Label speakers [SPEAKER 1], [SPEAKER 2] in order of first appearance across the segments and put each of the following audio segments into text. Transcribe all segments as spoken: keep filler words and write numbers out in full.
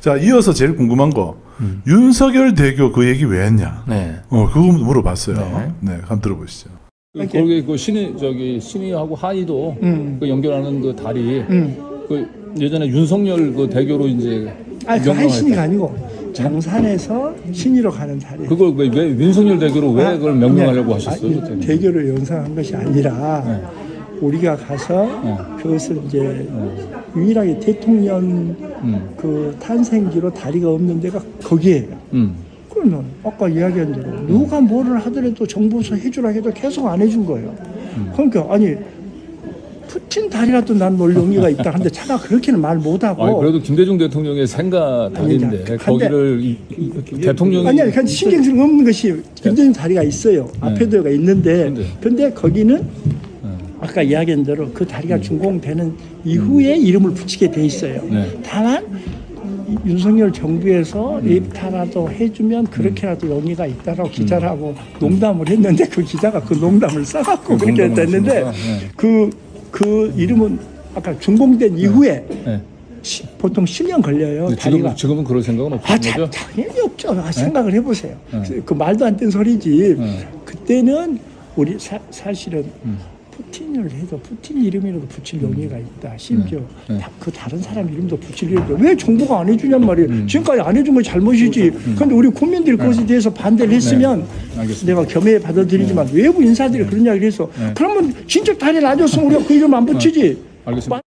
[SPEAKER 1] 자, 이어서 제일 궁금한 거 음. 윤석열 대교 그 얘기 왜 했냐?
[SPEAKER 2] 네.
[SPEAKER 1] 어, 그거 물어봤어요. 네,
[SPEAKER 2] 네.
[SPEAKER 1] 네 한번 들어보시죠.
[SPEAKER 2] 그, 거기 그 신의 저기 신의하고 하의도
[SPEAKER 3] 음.
[SPEAKER 2] 그 연결하는 그 다리
[SPEAKER 3] 음.
[SPEAKER 2] 그 예전에 윤석열 그 대교로 이제
[SPEAKER 3] 아니 그
[SPEAKER 2] 명명할
[SPEAKER 3] 한신이가
[SPEAKER 2] 때.
[SPEAKER 3] 아니고 장산에서 신의로 가는 다리.
[SPEAKER 2] 그걸 왜, 왜 윤석열 대교로 왜
[SPEAKER 3] 아,
[SPEAKER 2] 그걸 명명하려고
[SPEAKER 3] 네.
[SPEAKER 2] 하셨어요?
[SPEAKER 3] 아니,
[SPEAKER 2] 그때는?
[SPEAKER 3] 대교를 연상한 것이 아니라
[SPEAKER 2] 네.
[SPEAKER 3] 우리가 가서
[SPEAKER 2] 네.
[SPEAKER 3] 그것을 이제 유일하게 대통령
[SPEAKER 2] 음.
[SPEAKER 3] 그 탄생지로 다리가 없는 데가 거기에요.
[SPEAKER 2] 음.
[SPEAKER 3] 그러면 아까 이야기한 대로 누가 뭐를 하더라도 정부에서 해주라 해도 계속 안 해준 거예요.
[SPEAKER 2] 음.
[SPEAKER 3] 그러니까 아니 푸틴 다리라도 난 놀 용의가 있다 하는데 차마 그렇게는 말 못하고.
[SPEAKER 2] 아니 그래도 김대중 대통령의 생가 다리인데
[SPEAKER 3] 아니,
[SPEAKER 2] 거기를 이, 이, 이, 대통령이
[SPEAKER 3] 아니 아니 신경 쓸 없는 것이 김대중 다리가 있어요. 앞에도가 있는데
[SPEAKER 2] 근데.
[SPEAKER 3] 근데 거기는
[SPEAKER 2] 네.
[SPEAKER 3] 아까 이야기한 대로 그 다리가 준공되는 이후에 이름을 붙이게 돼 있어요.
[SPEAKER 2] 네.
[SPEAKER 3] 다만 이 윤석열 정부에서 립타라도 해주면 그렇게라도 용의가 있다라고 기자라고 농담을 했는데 그 기자가 그 농담을 써갖고
[SPEAKER 2] 그
[SPEAKER 3] 그렇게
[SPEAKER 2] 농담을
[SPEAKER 3] 됐는데
[SPEAKER 2] 하시니까, 네.
[SPEAKER 3] 그, 그 이름은 아까 준공된 이후에
[SPEAKER 2] 네.
[SPEAKER 3] 시, 보통 십 년 걸려요.
[SPEAKER 2] 지금
[SPEAKER 3] 다리가.
[SPEAKER 2] 지금은 그럴 생각은
[SPEAKER 3] 아,
[SPEAKER 2] 없는
[SPEAKER 3] 자,
[SPEAKER 2] 거죠?
[SPEAKER 3] 당연히 없죠. 아, 생각을 해보세요.
[SPEAKER 2] 네.
[SPEAKER 3] 그, 그 말도 안 되는 소리지.
[SPEAKER 2] 네.
[SPEAKER 3] 그때는 우리 사, 사실은
[SPEAKER 2] 음.
[SPEAKER 3] 푸틴을 해도 푸틴 이름이라도 붙일 용의가 있다. 심지어
[SPEAKER 2] 네.
[SPEAKER 3] 다, 그 다른 사람 이름도 붙일 용의가 있다. 왜 정부가 안 해주냔 말이에요.
[SPEAKER 2] 음.
[SPEAKER 3] 지금까지 안 해준 건 잘못이지. 그런데 우리 국민들이 그것에 대해서 반대를 했으면
[SPEAKER 2] 알겠습니다.
[SPEAKER 3] 내가 겸해 받아들이지만 외부 인사들이 그런 이야기를 해서
[SPEAKER 2] 네.
[SPEAKER 3] 그러면 진짜 다리를 안 줬으면 우리가 그 이름 안 붙이지.
[SPEAKER 2] 알겠습니다.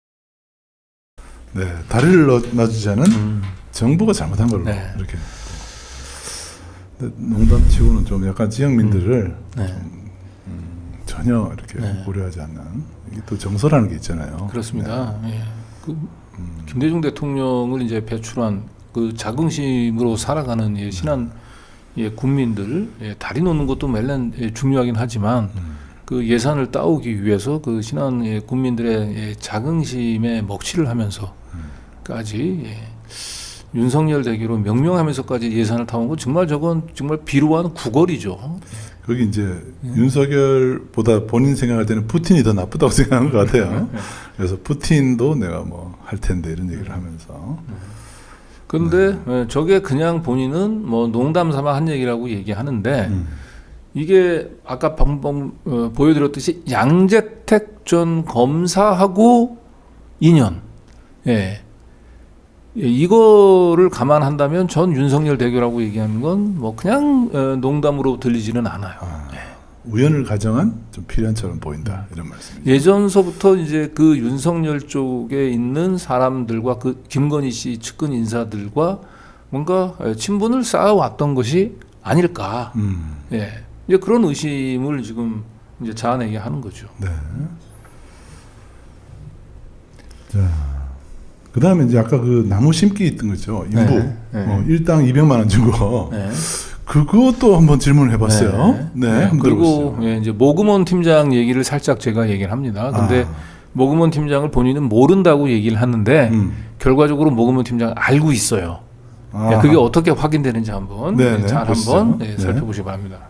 [SPEAKER 1] 네, 다리를 넣- 놔주자는
[SPEAKER 2] 음.
[SPEAKER 1] 정부가 잘못한 걸로
[SPEAKER 2] 네.
[SPEAKER 1] 이렇게. 근데 농담치고는 좀 약간 지역민들을
[SPEAKER 2] 네.
[SPEAKER 1] 전혀 이렇게
[SPEAKER 2] 네.
[SPEAKER 1] 고려하지 않는 이게 또 정서라는 게 있잖아요.
[SPEAKER 2] 그렇습니다. 예. 그 김대중 대통령을 이제 배출한 그 자긍심으로 살아가는 예, 신한 예, 국민들 예, 다리 놓는 것도 물론 예, 중요하긴 하지만 그 예산을 따오기 위해서 그 신한 예, 국민들의 예, 자긍심에 먹칠을 하면서까지 예, 윤석열 대교로 명명하면서까지 예산을 타온 건 정말 저건 정말 비루한 구걸이죠.
[SPEAKER 1] 거기 이제 윤석열보다 본인 생각할 때는 푸틴이 더 나쁘다고 생각하는 것 같아요. 그래서 푸틴도 내가 뭐 할 텐데 이런 얘기를 하면서.
[SPEAKER 2] 그런데 예, 저게 그냥 본인은 뭐 농담 삼아 한 얘기라고 얘기하는데
[SPEAKER 1] 음.
[SPEAKER 2] 이게 아까 방금 어, 보여드렸듯이 양재택 전 검사하고 인연. 예. 예, 이거를 감안한다면 전 윤석열 대교라고 얘기하는 건 뭐 그냥 어, 농담으로 들리지는 않아요.
[SPEAKER 1] 아,
[SPEAKER 2] 예.
[SPEAKER 1] 우연을 가정한 좀 필연처럼 보인다 이런 말씀이죠.
[SPEAKER 2] 예전서부터 이제 그 윤석열 쪽에 있는 사람들과 그 김건희 씨 측근 인사들과 뭔가 친분을 쌓아왔던 것이 아닐까.
[SPEAKER 1] 음,
[SPEAKER 2] 예. 이제 그런 의심을 지금 이제 자아내게 하는 거죠.
[SPEAKER 1] 네. 자, 그 다음에 이제 아까 그 나무 심기 있던 거죠. 인부.
[SPEAKER 2] 네, 네.
[SPEAKER 1] 어, 일당 이백만 원 준 거.
[SPEAKER 2] 네.
[SPEAKER 1] 그것도 한번 질문을 해봤어요. 네. 네, 한번
[SPEAKER 2] 그리고
[SPEAKER 1] 들어보시죠.
[SPEAKER 2] 예, 이제 모금원 팀장 얘기를 살짝 제가 얘기를 합니다. 근데
[SPEAKER 1] 아.
[SPEAKER 2] 모금원 팀장을 본인은 모른다고 얘기를 하는데
[SPEAKER 1] 음.
[SPEAKER 2] 결과적으로 모금원 팀장 알고 있어요. 예,
[SPEAKER 1] 아.
[SPEAKER 2] 그게 어떻게 확인되는지 한번
[SPEAKER 1] 네,
[SPEAKER 2] 예,
[SPEAKER 1] 네,
[SPEAKER 2] 잘
[SPEAKER 1] 보시죠.
[SPEAKER 2] 한번 예,
[SPEAKER 1] 네.
[SPEAKER 2] 살펴보시기 바랍니다.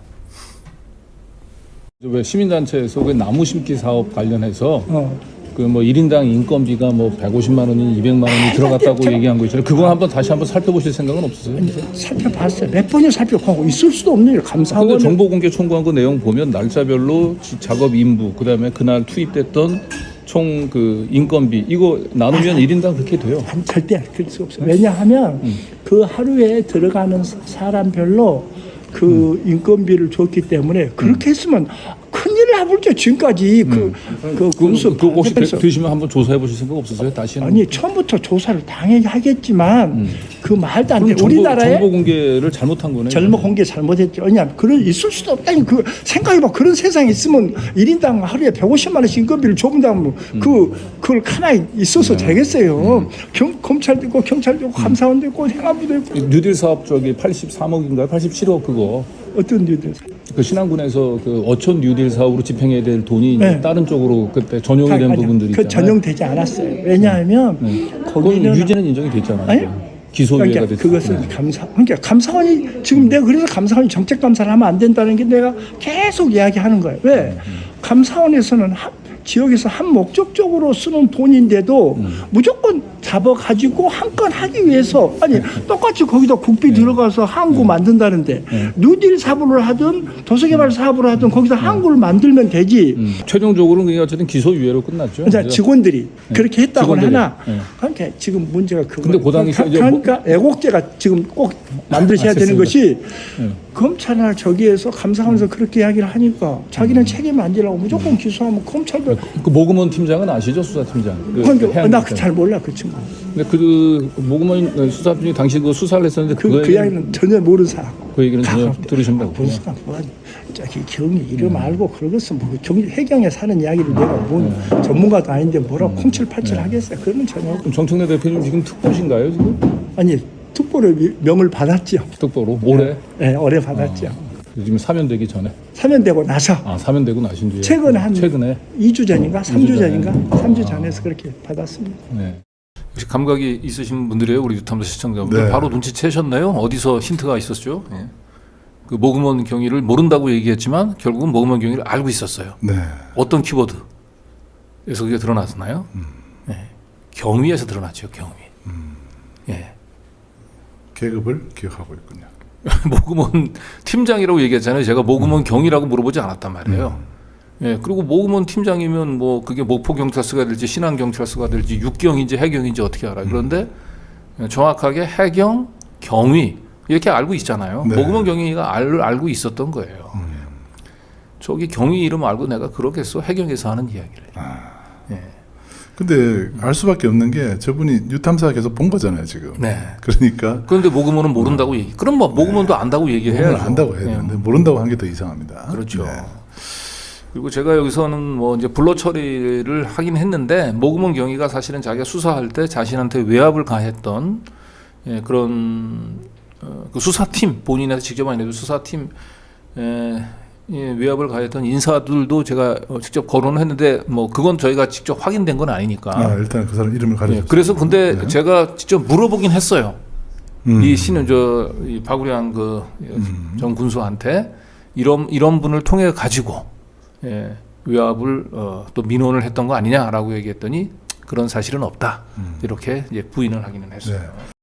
[SPEAKER 2] 왜 시민단체에서 그 나무 심기 사업 관련해서
[SPEAKER 3] 어.
[SPEAKER 2] 그 뭐 일 인당 인건비가 뭐 백오십만 원이 이백만 원이 들어갔다고
[SPEAKER 3] 제가-
[SPEAKER 2] 얘기한 거 있잖아요. 그거 한번 다시 한번 살펴보실 생각은 없으세요?
[SPEAKER 3] 살펴봤어요. 몇 번이나 살펴보고 있을 수도 없는 일.
[SPEAKER 2] 근데
[SPEAKER 3] 감사원
[SPEAKER 2] 정보 공개 청구한 거 내용 보면 날짜별로 지- 작업 인부 그다음에 그날 투입됐던 총 그 인건비 이거 나누면 일 인당 그렇게 돼요.
[SPEAKER 3] 안, 절대 그럴 수 없어요. 왜냐하면 그 하루에 들어가는 사- 사람별로 그 인건비를 줬기 때문에 그렇게 했으면 큰일 나볼죠. 지금까지 그, 그 군수
[SPEAKER 2] 그 혹시 되,
[SPEAKER 3] 반대편에서
[SPEAKER 2] 되시면 한번 조사해 보실 생각 없으세요? 다시는
[SPEAKER 3] 아니 처음부터 조사를 당연히 하겠지만 그 말도 안 돼.
[SPEAKER 2] 그럼 정보,
[SPEAKER 3] 우리나라에
[SPEAKER 2] 정보 공개를 잘못한 거네요.
[SPEAKER 3] 젊어 공개 잘못했죠. 왜냐 그런 있을 수도 없다니. 그 생각해봐. 그런 세상에 있으면 일 인당 하루에 백오십만 원씩 인건비를 줘본다면 그 그걸 하나에 있어서 되겠어요. 경, 검찰도 있고 경찰도 있고 감사원도 있고 행안부도 있고
[SPEAKER 2] 뉴딜 사업 저기 팔십삼억인가요? 팔십칠억 그거
[SPEAKER 3] 어떤 일들
[SPEAKER 2] 그 신안군에서 그 어촌 뉴딜 사업으로 집행해야 될 돈이 이제
[SPEAKER 3] 네.
[SPEAKER 2] 다른 쪽으로 그때 전용이 된 부분들이
[SPEAKER 3] 그
[SPEAKER 2] 있잖아요.
[SPEAKER 3] 전용되지 않았어요. 왜냐하면
[SPEAKER 2] 그건
[SPEAKER 3] 거기는
[SPEAKER 2] 유죄는 인정이 됐잖아요.
[SPEAKER 3] 아니?
[SPEAKER 2] 기소유예가
[SPEAKER 3] 그러니까
[SPEAKER 2] 됐죠.
[SPEAKER 3] 그것은 감사 그러니까 감사원이 지금 내가 그래서 감사원이 정책 감사를 하면 안 된다는 게 내가 계속 이야기하는 거예요. 왜 감사원에서는 하, 지역에서 한 목적적으로 쓰는 돈인데도
[SPEAKER 4] 음.
[SPEAKER 3] 무조건 잡아가지고 한 건 하기 위해서 아니 똑같이 거기다 국비 들어가서 항구 만든다는데
[SPEAKER 4] 네.
[SPEAKER 3] 뉴딜 사업을 하든 도서개발 사업을 하든 거기다 항구를 만들면 되지.
[SPEAKER 4] 음. 최종적으로는 그게 어쨌든 기소유예로 끝났죠.
[SPEAKER 3] 그러니까
[SPEAKER 4] 그래서-
[SPEAKER 3] 직원들이 그렇게 했다고는
[SPEAKER 4] 직원들이.
[SPEAKER 3] 하나
[SPEAKER 4] 네.
[SPEAKER 3] 그러니까 지금 문제가 그거
[SPEAKER 4] 근데 그 당시 이제
[SPEAKER 3] 그러니까 애국제가 지금 꼭 만드셔야
[SPEAKER 4] 아,
[SPEAKER 3] 되는
[SPEAKER 4] 됐습니다.
[SPEAKER 3] 것이
[SPEAKER 4] 네.
[SPEAKER 3] 검찰이나 저기에서 감사하면서 그렇게 이야기를 하니까 자기는 책임 안 지라고 무조건 기소하면 검찰도
[SPEAKER 4] 그 모금원 팀장은 아시죠? 수사팀장. 그
[SPEAKER 3] 그러니까
[SPEAKER 4] 해양
[SPEAKER 3] 나
[SPEAKER 4] 팀장.
[SPEAKER 3] 잘 몰라 그 친구
[SPEAKER 4] 근데 그 모금원 수사팀이 당시 그 수사를 했었는데
[SPEAKER 3] 그,
[SPEAKER 4] 그,
[SPEAKER 3] 그 이야기는 전혀 모르는 사람
[SPEAKER 4] 그 얘기는 전혀
[SPEAKER 3] 다
[SPEAKER 4] 들으신다고.
[SPEAKER 3] 본수가 뭐가 저기 경이 이름 알고 그러겠어 뭐 경, 해경에 사는 이야기를 내가 뭔 전문가도 아닌데 뭐라고 콩칠팔칠 하겠어요. 그러면 전혀 없고.
[SPEAKER 4] 그럼 정청래 대표님 지금 특보신가요 지금?
[SPEAKER 3] 아니 특보를 명을 받았죠.
[SPEAKER 4] 특보로 올해
[SPEAKER 3] 네, 올해 받았죠.
[SPEAKER 4] 지금 사면되기 전에.
[SPEAKER 3] 사면되고 나서
[SPEAKER 4] 아 사면되고 나신 뒤에.
[SPEAKER 3] 최근 한
[SPEAKER 4] 최근에.
[SPEAKER 3] 이 주 전인가 삼 주
[SPEAKER 4] 이 주 전에.
[SPEAKER 3] 전인가 삼 주 전에서 그렇게 받았습니다.
[SPEAKER 4] 네.
[SPEAKER 2] 역시 감각이 있으신 분들이에요, 우리 유탐사 시청자분들.
[SPEAKER 1] 네.
[SPEAKER 2] 바로 눈치채셨나요? 어디서 힌트가 있었죠? 예. 그 모금원 경위를 모른다고 얘기했지만 결국은 모금원 경위를 알고 있었어요.
[SPEAKER 1] 네.
[SPEAKER 2] 어떤 키워드에서 그게 드러났나요? 예. 경위에서 드러났죠, 경위. 예.
[SPEAKER 1] 계급을 기억하고 있군요.
[SPEAKER 2] 모금원 팀장이라고 얘기했잖아요. 제가 모금원 경위라고 물어보지 않았단 말이에요. 예, 그리고 모금원 팀장이면 뭐 그게 목포경찰서가 될지 신안경찰서가 될지 육경인지 해경인지 어떻게 알아요. 그런데 정확하게 해경, 경위 이렇게 알고 있잖아요.
[SPEAKER 1] 네.
[SPEAKER 2] 모금원 경위가 알, 알고 있었던 거예요. 저기 경위 이름 알고 내가 그러겠어? 해경에서 하는 이야기를. 예.
[SPEAKER 1] 근데 알 수밖에 없는 게 저분이 뉴탐사 계속 본 거잖아요 지금.
[SPEAKER 2] 네.
[SPEAKER 1] 그러니까
[SPEAKER 2] 그런데 모금원은 모른다고 얘기. 그럼 뭐 모금원도 안다고 얘기해야죠.
[SPEAKER 1] 오늘 안다고 해야
[SPEAKER 2] 예.
[SPEAKER 1] 되는데 모른다고 한 게 더 이상합니다.
[SPEAKER 2] 그렇죠.
[SPEAKER 1] 네.
[SPEAKER 2] 그리고 제가 여기서는 뭐 이제 불러 처리를 하긴 했는데 모금원 경위가 사실은 자기가 수사할 때 자신한테 외압을 가했던 예, 그런 어, 그 수사팀 본인한테 직접 아니라도 수사팀 에, 예, 외압을 가했던 인사들도 제가 어, 직접 거론을 했는데 뭐 그건 저희가 직접 확인된 건 아니니까.
[SPEAKER 1] 아 일단 그 사람 이름을
[SPEAKER 2] 예,
[SPEAKER 1] 가르쳐.
[SPEAKER 2] 그래서 근데
[SPEAKER 1] 네.
[SPEAKER 2] 제가 직접 물어보긴 했어요.
[SPEAKER 1] 음.
[SPEAKER 2] 이 신은 저이 박우량 그전 군수한테 이런 이런 분을 통해 가지고 예, 외압을 어, 또 민원을 했던 거 아니냐라고 얘기했더니 그런 사실은 없다. 이렇게 이제 부인을 하기는 했어요.
[SPEAKER 1] 네.